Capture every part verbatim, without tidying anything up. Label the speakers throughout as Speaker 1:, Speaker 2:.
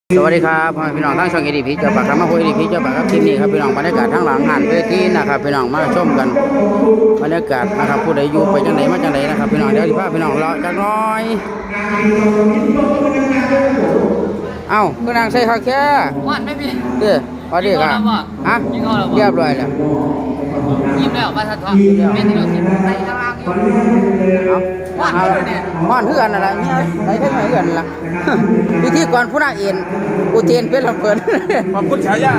Speaker 1: สวัสดีครับพี่น้องทั้งช่องเอดีพีเจ้าปากครับมาพูดเอดีพีเจ้าปากครับคลิปนี้ครับพี่น้องบรรยากาศทั้งหลังหันเวทีนะครับพี่น้องมาชมกันบรรยากาศนะครับผู้ใดอยู่ไปจังไหนมาจังไหนนะครับพี่น้องเดี๋ยวที่พาพี่น้องรอจักน้อยเอ้าคือนางใส่ข้าวแค่
Speaker 2: วันไม่พี่
Speaker 1: เด้อพอดีครับฮะเรียบร้อยแล้ว
Speaker 2: ยิ้มแล้วมาทันทีเป็นที่เราสิไปกำลังอยู่
Speaker 1: เอาม่อนเพื่อนอะไรเนี่ยไปได้ไหมเพื่อนล่ะพิธีกรผู้น่าเอ็นอุเทนเป็นลำเพลิน
Speaker 3: ขอบคุณฉายา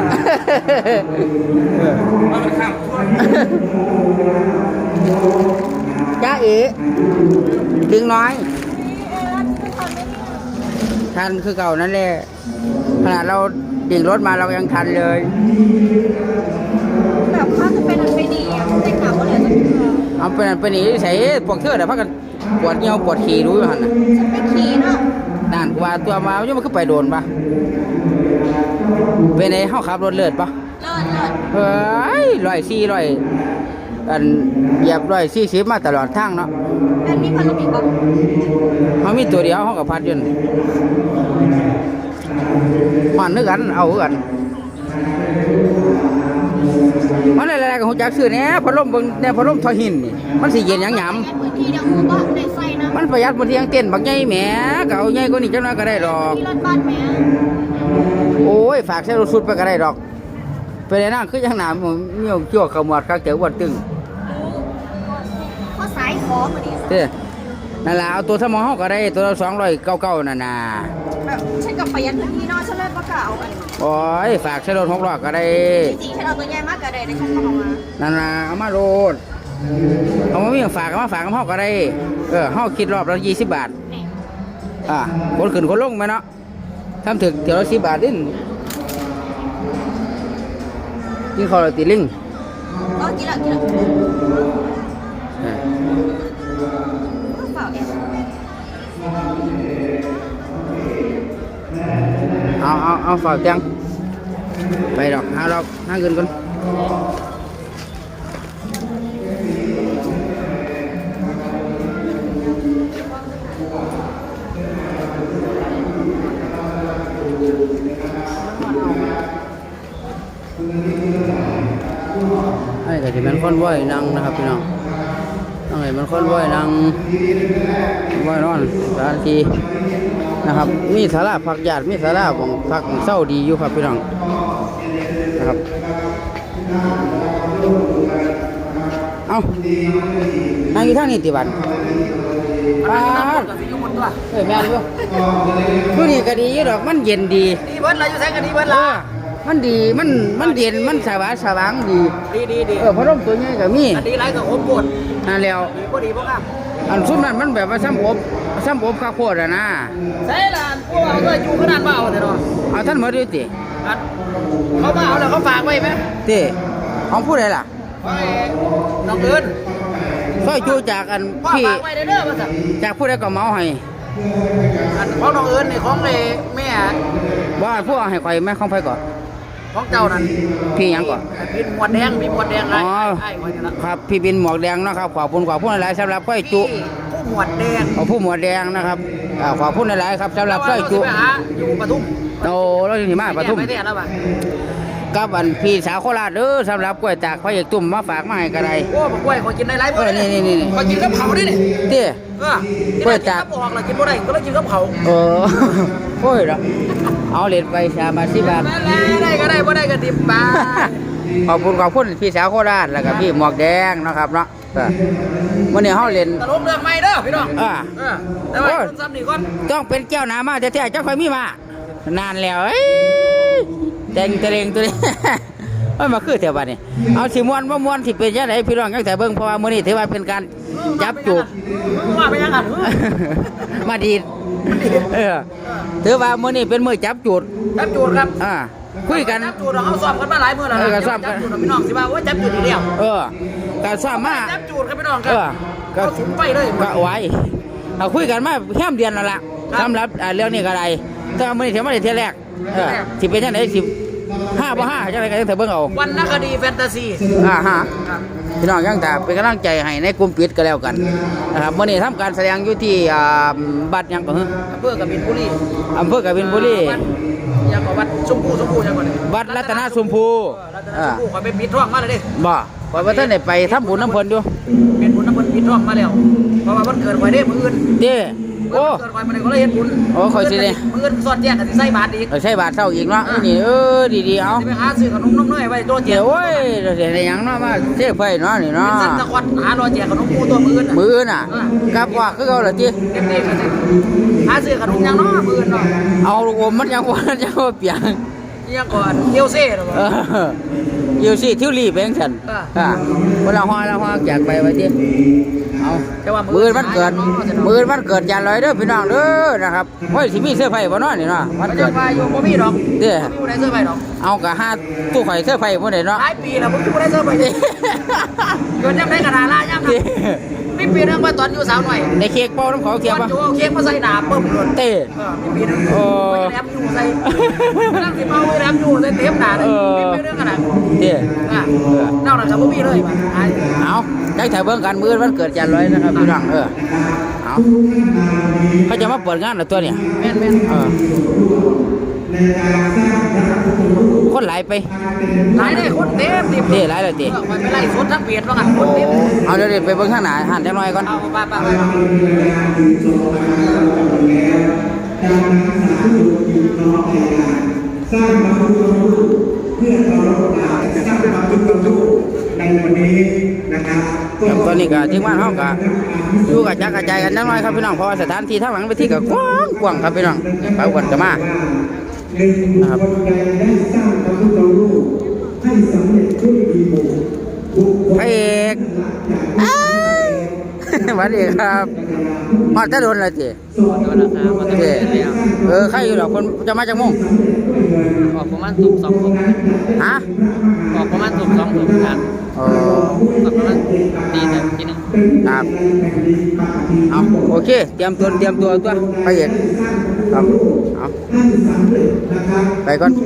Speaker 3: มาเป็นข้าม
Speaker 1: จ้าเอ๋ดึงน้อยทันคือเก่านั่นแหละขนาดเราดิ่งรถมาเรายังทันเลย
Speaker 4: แบบว่าจะเป็นอันไปหนีแต่ข่าวว่าเหลือจะ
Speaker 1: เอาเป็นอันไปหนีใส่พวกเธอเดี๋ยวพักกันปวดเงี้ยวปวดขี่รู้อยู่หันน่ะ
Speaker 4: ฉันไปขี่เนาะ
Speaker 1: นั่นว่าตัวมายุ่งมันก็ไปโดนปะเป็นไงเขาขับรถเลือดปะ
Speaker 4: เลิศเลิศ
Speaker 1: เฮ้ยร้อยสี่ร้อยอันเหยียบร้อยสี่สิบมาตลอดทางเนาะ
Speaker 4: อันนี้พันลูกอีกปะ
Speaker 1: เขามีตัวเดียวเขากับพัดยืนมันนึกกันเอากันมันอะไรๆกับหัวจักซื้อเนี่ยพัดลมเบิ่งเนี่ยพัดลมทอหินนี่มันสิเย็นยังหยำ
Speaker 4: พื้นที่เดียวมือก็ในไฟนะ
Speaker 1: มันประหยัดบนที่ยังเต้นบักใหญ่แหมเก่าใหญ่กว่านี้จังน้อยก็ได้ดอก
Speaker 4: ที่รถบ้านแม่
Speaker 1: โอ้ยฝากใช้รถสุดไปก็ได้ดอกไปเลยนั่งคือยังหนามเมี่ยวชั่วขมวดข้าเจ๋อวันตึง
Speaker 4: ข้อสายขอมาดิ
Speaker 1: เด้นั่นแหละเอาตัวสมองก็ได้ตัวสองร้อยเก้าเก้านั่นน่ะ
Speaker 4: แบบฉันกับประหยัดพื้นที่นอกฉันเลยประกาศเอาไป
Speaker 1: โอ้ยฝากใช้รถหกล้อก็ได้
Speaker 4: จริงๆฉันเอาตัวใหญ่มากก็ได้ในฉันก็เอามา
Speaker 1: นั่นน่ะเอามาโหลดเอามาวิ่งฝากเอามาฝากกับห้องก็ได้เออห้องคิดรอบละยี่สิบบาทอ่าคนขึ้นคนลงไหมเนาะทำถึงเดี๋ยวละสิบบาทดิ้นกินข้าวตีลิง
Speaker 4: ก็กินละกินละก็เปล่าเอง
Speaker 1: เอาเอาเอาฝากจังไปดอกหาดอกหาเงินก่อนไอ้ก็จะเป็นคนว่ายนั่งนะครับพี่น้องนั่งไอ้มันคนว่ายนั่งว่ายนอนสถานที่นะครับมีศาลาพักญาติมีศาลาของพักเศร้าดีอยู่ครับพี่น้องนะครับเอานั่งอยู่ท่านี้ติบันป้าเฮ้ยแม่ดูผู้นี้ก็ดีอยู่ดอกมันเย็นดี
Speaker 2: ดีเบิร์ดอะไรอยู่แท้กันดีเบิร์ดละ
Speaker 1: มันดีมันมันเย็นมันสว่างสว่างดี
Speaker 2: ดีดีดี
Speaker 1: เออพัดลมตัวนี้ก็มี
Speaker 2: อันดีไรกับอบปวด
Speaker 1: นั่นแล้ว
Speaker 2: ดีพอดีพวกอ่ะ
Speaker 1: อันซุ่มนั้นมันแบบว่าซ้ำอบซ้ำอบข้าวโพดอะนะ
Speaker 2: ใช่ละพวกเราก็อยู่ขนาดเบาแต่เนาะ
Speaker 1: เอาท่านมาดูติ
Speaker 2: เขามาเอาแล้วเขาฝากไว้ไหม
Speaker 1: ติของผู้ใดล่ะ
Speaker 2: ไว้น้องเอิญ
Speaker 1: ซอยจูจากอัน
Speaker 2: พี่ฝากไว้เด้อมาสั่ง
Speaker 1: จากผู้ใดก็เมาให้
Speaker 2: อันของน้องเอิญนี่ของเลยแม่
Speaker 1: ว่าผู้เอาให้ใครแม่ของไผก่อน
Speaker 2: ของเจ้านั่น
Speaker 1: พี่ยังก่อน
Speaker 2: พี่หมวดแดงพี่หมวดแดงไร
Speaker 1: ครับพี่บินหมวกแดงนะครับขอบคุณขอบคุณหลายสำหรับก้อยจุ
Speaker 2: ผู้หมวดแดง
Speaker 1: ขอผู้หมวดแดงนะครับขอบคุณหลายครับสำหรับก้อยจุ
Speaker 2: อยู่ปทุม
Speaker 1: โอ้เราอยู่ที่มาปทุมกับอันพี่สาวโคราชเด้อสำหรับกล้วยจากพระเอกตุ่มมาฝากมาให้กันไร
Speaker 2: โอ้กล้วยขอกินได้ไร
Speaker 1: บ่นี่นี่นี่
Speaker 2: ขอกินกับเผาดิเนี่ย
Speaker 1: เตี้ย
Speaker 2: กล้วยจากออกแล้วกินบ่ได้ก็เลยกินกับเผา
Speaker 1: เออโอ้ยเหรอเอาเหรียญไปสามบาทสิบบาท
Speaker 2: ได้ก็ได้บ่ได้ก็ดิบบาท
Speaker 1: ขอบคุณขอบคุณพี่สาวโคราชแล้วก็พี่หมวกแดงนะครับเนาะวันนี้เขาเล่น
Speaker 2: ตลกเรื่องใหม่เด้อพี่น้อง
Speaker 1: อ่า
Speaker 2: แต่ว่าซ้ำนี่ก่อน
Speaker 1: ต้องเป็นแก้วน้ำมาแต่แต่เจ้าคอยมีมานานแล้วแดงเตรงตัวนี้ไม่มาคือเถอะบ้านนี้เอาสิมวนว่ามวนที่เป็นยังไงพี่น้องยังแต่เบิ้งเพราะว่ามื้อนี้ถือว่าเป็นการจับจูบ
Speaker 2: ว่าไปยังไง
Speaker 1: มาดีเออถือว่ามื้อนี้เป็นมื้อจับจูด
Speaker 2: จับจูดครับ
Speaker 1: อ่าคุยกัน
Speaker 2: จับจูดเราเอาซ้อมกันมาหลายมื้อแล้ว
Speaker 1: เออซ้อมกัน
Speaker 2: พี่น้องสิว่าว่าจับจูดอีกแล้ว
Speaker 1: เออการซ้อมมา
Speaker 2: จับจูดครับพี่น้องครับก็สุดไปเลย
Speaker 1: ก็ไว้เอาคุยกันมาแค่เดือนนั่นแหละสำหรับเรื่องนี้ก็ได้แต่มื้อนี้ถือว่าได้เที่ยแรกเออสิเป็นยังไงสิห้าบ่ห้าจะอะไรกันแต่เบิ่งเอา
Speaker 2: วันนักคดีแฟนตาซี
Speaker 1: อ่าฮะพี่น้องยังแต่เป็นกำลังใจให้ในกลุ่มปิดก็แล้วกันนะครับวันนี้ทำการแสดงอยู่ที่บัดยังก็อ
Speaker 2: ำเภอกบินบุรี
Speaker 1: อำเภอกบินบุรี
Speaker 2: ยังก็วัดชมพูชมพูยังก่อนเลย
Speaker 1: วัดรัตนชมพู
Speaker 2: รัตน
Speaker 1: อ่า
Speaker 2: ชมพูขอไปปิดท่องมาเลยดิ
Speaker 1: บ่ข่อยว่าท่านได้ไปทำบุญน้ำเพิ่นอยู่
Speaker 2: เป็นบุญน้ำมันปิดท่องมาแล้วเพราะว่าวันเกิดไว้ได้มื้ออื่น
Speaker 1: เด้โอ้
Speaker 2: เกิดไว้มื้อนี้ก็เลยเฮ็ดบุญ
Speaker 1: โอ้ข่อยสิได้
Speaker 2: มื้ออื่นสอดแจ้งกันสิใส่บาตรอีก
Speaker 1: เออใช่บาทเท่าอีกเนาะนี่เออดีๆเอา
Speaker 2: สิไปหาซื้อขนมนมน้อยไว้ตัวเจี
Speaker 1: เดี๋
Speaker 2: ย
Speaker 1: ยว วโอ้ยเดี๋ยวได้หยังเนาะมาเทไฟเนาะนี่เนาะ
Speaker 2: เป็นสั้นตะควัดหารอแจกขนมปูตัวมื้ออื่นน่ะ
Speaker 1: มือน่ะกลับว่าคือเอาล่ะติ
Speaker 2: เต็มที่ก็สิหาซื้อขนมยังเนาะมื้ออื่นเนาะ
Speaker 1: เอาลูกอมมันยังว่ายังว่าเปียง
Speaker 2: ยังก่อนเที่ยวเซ่หรอ
Speaker 1: เอออยู่สิทิวลีไปจังซั่นอ่าเวลาฮอดละฮอดอยากไปว่าติเอา
Speaker 2: แต่ว่า
Speaker 1: มือวันเกิดมือวันเกิดยานลอยเด้อพี่น้องเด้อนะครับโอ้ยสิมีเสื้อไฟบ่เนาะนี่เนาะวัน
Speaker 2: มัน
Speaker 1: เกิ
Speaker 2: จะ
Speaker 1: ด
Speaker 2: ไปอยู่บ่มีดอก
Speaker 1: เด้อ
Speaker 2: บ่มีผู้ใดซื้อไปดอก
Speaker 1: เอากะหาตู้ข่อยเสื้อไฟบ่ได้เนาะ
Speaker 2: หลายปีแล้วบ่มีผู้ใดซื้อไปดิเกิดยังไดกระดาล่ายามนั้นมีปีนึงว่าตอนอยู่สาวหน่อย
Speaker 1: ในเค้กเป้าน้ำเขาเทียบ
Speaker 2: ตอน
Speaker 1: ปะ
Speaker 2: อยู่เอาเค้กมาใส่หนาปึ๊บเลย
Speaker 1: เต้
Speaker 2: เออมีปีนึง
Speaker 1: โอ้
Speaker 2: แรมอยู่ใส่นั่งสิเมาแรมอยู่ใส่เต็มหนาเลยมีปีนึงขนาด
Speaker 1: เต้
Speaker 2: อ่ะนอกนั้นก็บ่มีเลยว่ะไอ้
Speaker 1: เอาได้ถ่ายเบิ่งกันมือวันเกิดยานลอยนะครับพี่น้องเออเอาเขาจะมาเปิดงานเหรอตัวเนี่ย
Speaker 2: แม่นแม่น
Speaker 1: เออคนหลายไป
Speaker 2: หลายได้คนเต็มเต็ม
Speaker 1: เต้หลายเลยเต้
Speaker 2: เออไปไล่สดทั้งเปียดว่างั้นคนเต็ม
Speaker 1: เอาเดี๋ยวๆไปเบิ่งข้างหน้าหันจังหน่อยก่อน
Speaker 2: เอาไปไปไป
Speaker 3: สร้างพระพุทธรูปเพื่อเคารพจะสร้างพระพุทธรูปในวันนี้นะครับ
Speaker 1: ครับตอนนี้ก็ทีมงานเฮาก็อยู่กับจักกระจายกันจังหน่อยครับพี่น้องเพราะว่าสถานที่ทางหลังเวทีก็กว้างกว้างครับพี่น้องไปอ้วนก็มา
Speaker 3: หนึ่งบุคคลใดได้สร้างพระพุทธรูปให้สำเร็จด้วยดีบุญบุคคล
Speaker 1: พระเอกอ้ายสวัสดีครับมาจะโดนอะไรจี
Speaker 2: ตัวราคามันจะ
Speaker 1: เจ
Speaker 2: เป็นแล้ว
Speaker 1: เออใครอยู่หรอกคนจะมาจากม่วง
Speaker 2: ออกประมาณตุ่มสองถุง
Speaker 1: ฮะ
Speaker 2: ออกประมาณตุ่มสองถุงครับ
Speaker 1: เออ
Speaker 2: ออกประมาณตีหนึ่งทีหนึ่ง
Speaker 1: ครับเอาโอเคเตรียมตัวเตรียมตัวตัวพระเอกครับเอาไปก่อน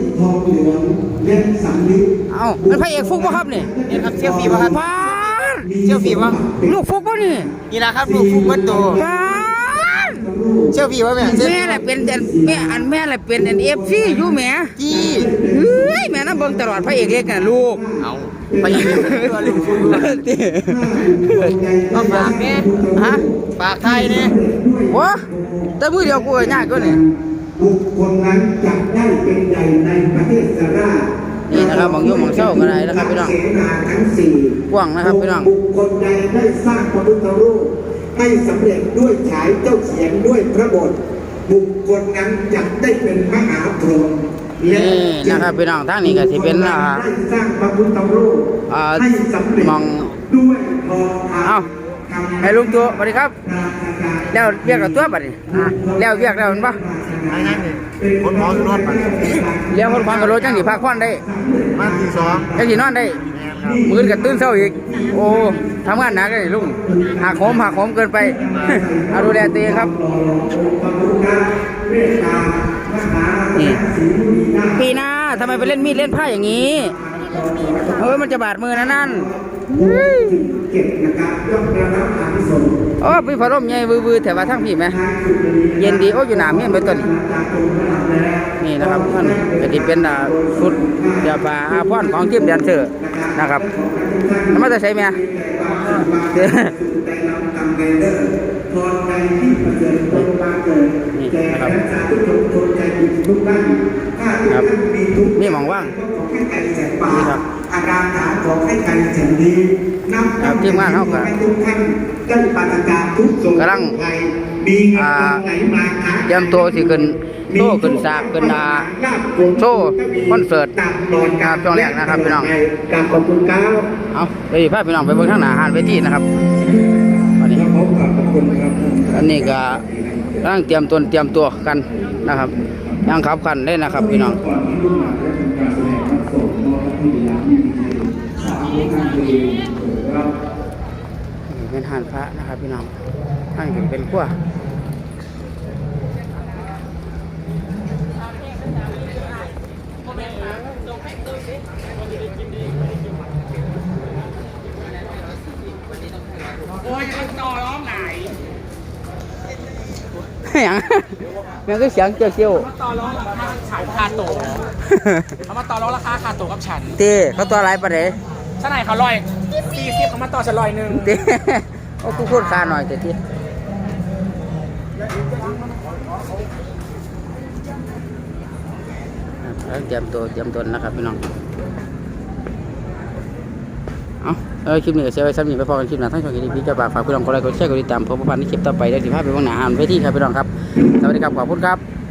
Speaker 1: เอาเป็นพระเอกฟุกป่ะครับนี่
Speaker 2: นี่ครับเซี่ยวฟีป่ะครับ
Speaker 1: ป้าด
Speaker 2: เซี่ยวฟีป่ะ
Speaker 1: ลูกฟุกป่ะนี่
Speaker 2: นี่นะครับลูกฟุกวัดโต
Speaker 1: ป้าด
Speaker 2: เซี่ยวฟีป่ะแม่
Speaker 1: แม่แหละเป็นอันแม่อันแม่แหละเป็นอันเอฟซีอยู่แหม่
Speaker 2: จี้
Speaker 1: เฮ้ยแม่น่ะเบิ่งตลอดพระเอกเล็กน่ะลูก
Speaker 2: เอาไปยิงตัวลูกฟุก
Speaker 1: ติ
Speaker 2: ก็ฝากเนี่ย
Speaker 1: ฮะ
Speaker 2: ฝากไทยเนี่ย
Speaker 1: วะแต่มือเดียวกูก็ยากกว่านี่
Speaker 3: บุคคลนั้นจะได้เป็นใหญ่ในประเทศสารา
Speaker 1: นี่นะครับมองยุ่งมองเศร้าก็ได้นะครับพี่น้อง
Speaker 3: เสนาทั้งสี่
Speaker 1: กว้างนะครับพี่น้อง
Speaker 3: บุคคลใดได้สร้างพระพุทธรูปให้สำเร็จด้วยฉายเจ้าเขียนด้วยพระบทบุคคลนั้นจะได้เป็นมหาพรหมและ
Speaker 1: นี่นะครับพี่น้องทางนี้ก็สิเป็นอ่า
Speaker 3: ได้สร้างพระพุทธรูป
Speaker 1: อ่า
Speaker 3: ให้สำเร็จ
Speaker 1: มอง
Speaker 3: ด้วยทองคำ
Speaker 1: เอ้าให้ลุงตัวสวัสดีครับ แล้วเรียกกับตัวบัดนี้อ่าแล้วเรียกแล้วมันปะ
Speaker 3: คนหมอรถ
Speaker 1: เรียกคนฟังกับรถจังสิพักผ่อนได้
Speaker 3: มาที่สอง
Speaker 1: จังสินอนได้มื้อกับตื่นเช้าอีก โอ้ทำงานหนักเลยลุงหักโหมหักโหมเกินไป เอาดูแลตัวเองครับนี่ปีหน้าทำไมไปเล่นมีดเล่นผ้าอย่างนี้เฮ้ยมันจะบาดมือนะนั่น
Speaker 3: เก็บนะครับย่อมได้รับอานิสงส์
Speaker 1: โอ้พี่พะร่มใหญ่วือๆแถวว่าทั้งพี่ไหมเย็นดีโอ้อยู่หนาเมียนไปต้นนี่นะครับท่านก็ที่เป็นอ่าชุดเดียบาอาพรของทีมแดนเซอร์นะครับแล้วมันจะใช้ไหม
Speaker 3: ได้นำกำเนิดพรในที่ประเสริฐตนบางเกิดแก่รักษาทุกคนคนใจบุญทุกท่านถ้าทุกท่านมีทุกข์
Speaker 1: นี่หมองว่าง
Speaker 3: ขอให้ไก่แสงป่าอาราถาขอให้ไก่แสงดีนำ
Speaker 1: ครับทีมงานเขาก็
Speaker 3: ให้ทุกท่านได้ปราศจากทุกโศก
Speaker 1: กำลัง
Speaker 3: ภัยมีเงิน
Speaker 1: อ่า
Speaker 3: ทองไหลมาค้า
Speaker 1: เตรียมตัวสิขึ้นโชว์ขึ้นฉากขึ้นอ่าโชว์คอนเสิร์ตครับช่วงแรกนะครับพี่น้อง
Speaker 3: การขอบคุณครับ
Speaker 1: เอาไปพาพี่น้องไปเบิ่งข้างหน้าหานเวทีนะครับอันนี้
Speaker 3: พบกับขอบคุณครับ
Speaker 1: อันนี้ก็กำลังเตรียมตัวเตรียมตัวกันนะครับยังขับขันได้นะครับพี่น้องเป็นหานพระนะครับพี่น้องท่านเป็นขั้วโอ้ยต่อร้องไหนหยังแม่งก็เสียงเจียวเจียว
Speaker 2: ต่อรองราคาขายคาโตเขามาต่อรองราคาคาโตกับฉัน
Speaker 1: เต้เขาตัวอะไรปะเด้
Speaker 2: ฉันไหนเขาลอยสี่สิบเขามาต่อฉันลอยหนึ่ง
Speaker 1: เต้โอ้กูพูดคาหน่อยเต้ที่แล้วเตรียมตัวเตรียมตัวนะครับพี่น้องเอาเออคลิปนี้ก็เสียไว้ซ้ำนี่ไปพอกันคลิปหน้าทั้งช่องกีดีพีจะฝากฝากพี่น้องกดไลค์กดแชร์กดติดตามพบกันในคลิปต่อไปได้สิบห้าไปว่างหน้าหานไปที่ครับพี่น้องครับสวัสดีครับขอบคุณครับ